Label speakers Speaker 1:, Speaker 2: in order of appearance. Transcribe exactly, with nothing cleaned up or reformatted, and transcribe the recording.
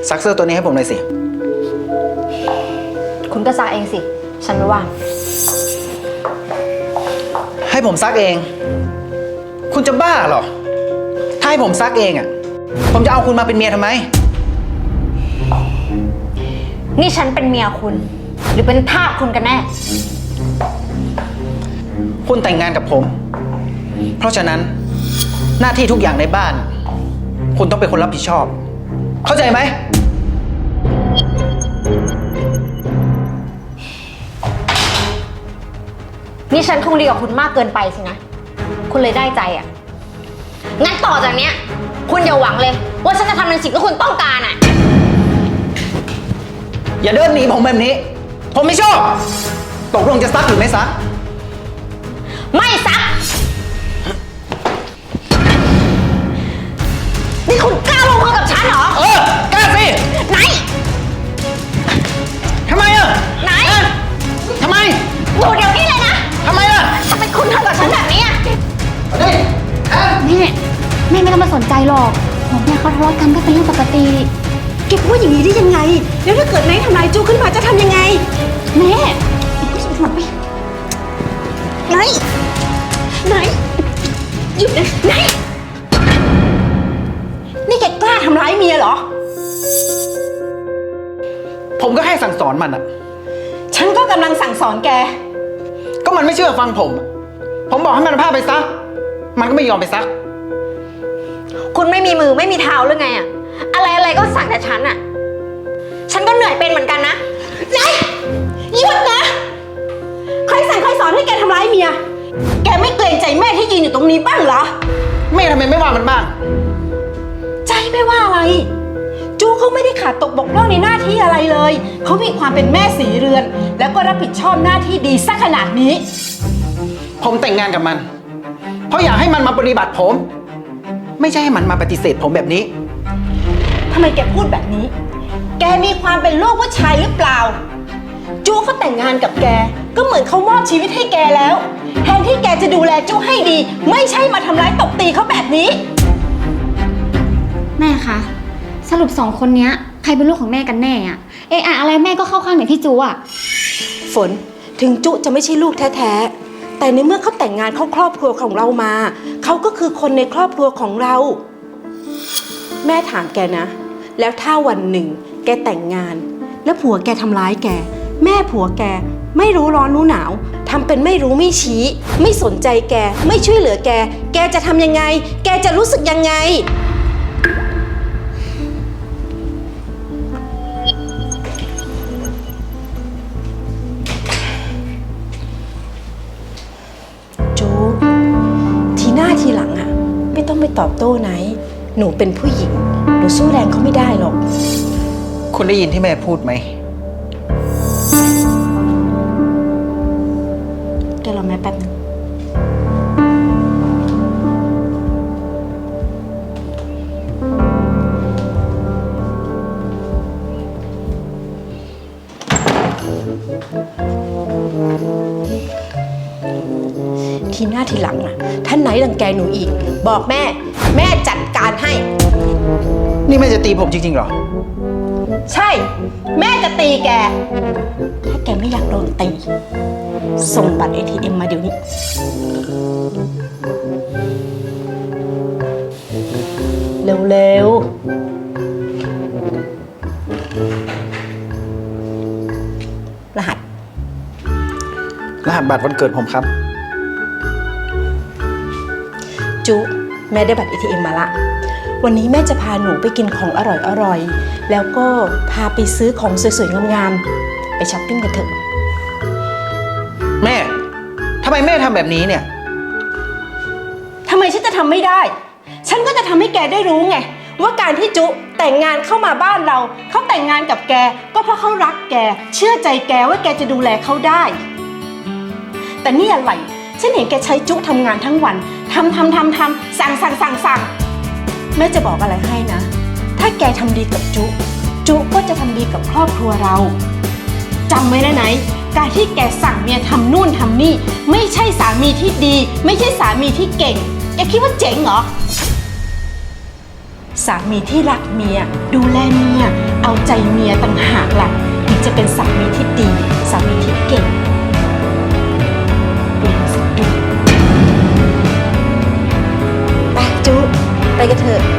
Speaker 1: ซักเสื้อตัวนี้ให้ผมหน่อยสิ
Speaker 2: คุณก็ซักเองสิฉันไม่ว่าง
Speaker 1: ให้ผมซักเองคุณจะบ้าเหรอถ้าให้ผมซักเองอ่ะผมจะเอาคุณมาเป็นเมียทำไม
Speaker 2: นี่ฉันเป็นเมียคุณหรือเป็นทาสคุณกันแน่
Speaker 1: คุณแต่งงานกับผมเพราะฉะนั้นหน้าที่ทุกอย่างในบ้านคุณต้องเป็นคนรับผิดชอบเข้าใจไหม
Speaker 2: นี่ฉันคงดีกับคุณมากเกินไปสินะคุณเลยได้ใจอ่ะงั้นต่อจากเนี้ยคุณอย่าหวังเลยว่าฉันจะทำในสิ่งที่คุณต้องการอ่ะ
Speaker 1: อย่าเดินหนีผมแบบนี้ผมไม่ชอบตกลงจะซักหรือไม่ซัก
Speaker 2: ไม่ซักนี่คุณกล้าลงมือกับฉันเหรอ
Speaker 1: เออกล้าสิ
Speaker 2: ไหน
Speaker 1: ทำไมอ่ะ
Speaker 2: ไหน
Speaker 1: ทำไม
Speaker 2: อยู่เดี๋ยวนี้เลยนะ
Speaker 1: ทำไมล่ะ
Speaker 2: ทำไมคุณทำกับฉันแบบนี้อ่ะ
Speaker 1: นี่แม่
Speaker 3: แม่แม่ไม่ต้องมาสนใจหรอกผมแม่เขาทะเลาะกันก็เป็นเรื่องปกติ
Speaker 4: แกพูดอย่างนี้ได้ยังไงแล้วถ้าเกิดนายทำร้ายจูขึ้นมาจะทำยังไง
Speaker 3: แม่
Speaker 4: ไหนไหนหยุดนะไหนนี่แกกล้าทำร้ายเมียเหรอ
Speaker 1: ผมก็ให้สั่งสอนมันอ่ะ
Speaker 4: ฉันก็กำลังสั่งสอนแก
Speaker 1: ก็มันไม่เชื่อฟังผมผมบอกให้มันพาไปซักมันก็ไม่ยอมไปซัก
Speaker 2: คุณไม่มีมือไม่มีเท้าหรือไงอะอะไรอะไรก็สั่งแต่ฉันอะฉันก็เหนื่อยเป็นเหมือนกันนะ
Speaker 4: ไหนหยุดนะใครสั่งใครสอนให้แกทำร้ายเมียแกไม่เกรงใจแม่ที่ยืนอยู่ตรงนี้บ้างเหรอ
Speaker 1: แม่ทำไมไม่ว่ามันบ้าง
Speaker 4: ใจไม่ว่าอะไรจูเขาไม่ได้ขาดตกบกพร่องในหน้าที่อะไรเลยเขามีความเป็นแม่สีเรือนแล้วก็รับผิดชอบหน้าที่ดีสักขนาดนี้
Speaker 1: ผมแต่งงานกับมันเพราะอยากให้มันมาปฏิบัติผมไม่ใช่ให้มันมาปฏิเสธผมแบบนี้
Speaker 4: ทำไมแกพูดแบบนี้แกมีความเป็นลูกผู้ชายหรือเปล่าจูเขาแต่งงานกับแกก็เหมือนเขามอบชีวิตให้แกแล้วแทนที่แกจะดูแลจูให้ดีไม่ใช่มาทำร้ายตบตีเขาแบบนี้
Speaker 3: แม่คะสรุปสองคนนี้ใครเป็นลูกของแม่กันแน่อะเอะอะอะไรแม่ก็เข้าข้างแต่พี่จูอะ
Speaker 4: ฝนถึงจุจะไม่ใช่ลูกแท้ๆแต่ในเมื่อเขาแต่งงานเข้าครอบครัวของเรามาเขาก็คือคนในครอบครัวของเราแม่ถามแกนะแล้วถ้าวันหนึ่งแกแต่งงานแล้วผัวแกทำร้ายแกแม่ผัวแกไม่รู้ร้อนรู้หนาวทำเป็นไม่รู้ไม่ชี้ไม่สนใจแกไม่ช่วยเหลือแกแกจะทำยังไงแกจะรู้สึกยังไงทีหลังอ่ะไม่ต้องไปตอบโต้ไหนหนูเป็นผู้หญิงหนูสู้แรงเขาไม่ได้หรอก
Speaker 1: คุณได้ยินที่แม่พูดไหม
Speaker 4: แกรอแม่แป๊บนึงทีหน้าทีหลังอ่ะท่านไหนรังแกหนูอีกบอกแม่แม่จัดการให้
Speaker 1: นี่แม่จะตีผมจริงๆเหรอ
Speaker 4: ใช่แม่จะตีแกถ้าแกไม่อยากโดนตีส่งบัตร เอ ที เอ็ม มาเดี๋ยวนี้เร็วๆรหัส
Speaker 1: รหัสบัตรวันเกิดผมครับ
Speaker 4: จุแม่ได้บัตร เอ ที เอ็ม มาละวันนี้แม่จะพาหนูไปกินของอร่อยๆแล้วก็พาไปซื้อของสวยๆงามๆไปช้อปปิ้งกันเถอะ
Speaker 1: แม่ทำไมแม่ทำแบบนี้เนี่ย
Speaker 4: ทำไมฉันจะทำไม่ได้ฉันก็จะทำให้แกได้รู้ไงว่าการที่จุแต่งงานเข้ามาบ้านเราเขาแต่งงานกับแกก็เพราะเขารักแกเชื่อใจแกว่าแกจะดูแลเขาได้แต่นี่อะไรฉันเห็นแกใช้จุทำงานทั้งวันทำทำทำทำสั่งสั่งสั่งสั่งแม่จะบอกอะไรให้นะถ้าแกทำดีกับจุจุก็จะทำดีกับครอบครัวเราจำไว้นะไหนการที่แกสั่งเมียทำนู่นทำนี่ไม่ใช่สามีที่ดีไม่ใช่สามีที่เก่งแกคิดว่าเจ๋งเหรอสามีที่รักเมียดูแลเมียเอาใจเมียต่างหากล่ะถึงจะเป็นสามีที่ดีสามีที่เก่งเปลี่ยนสะดุดไปจุไปกันเถอะ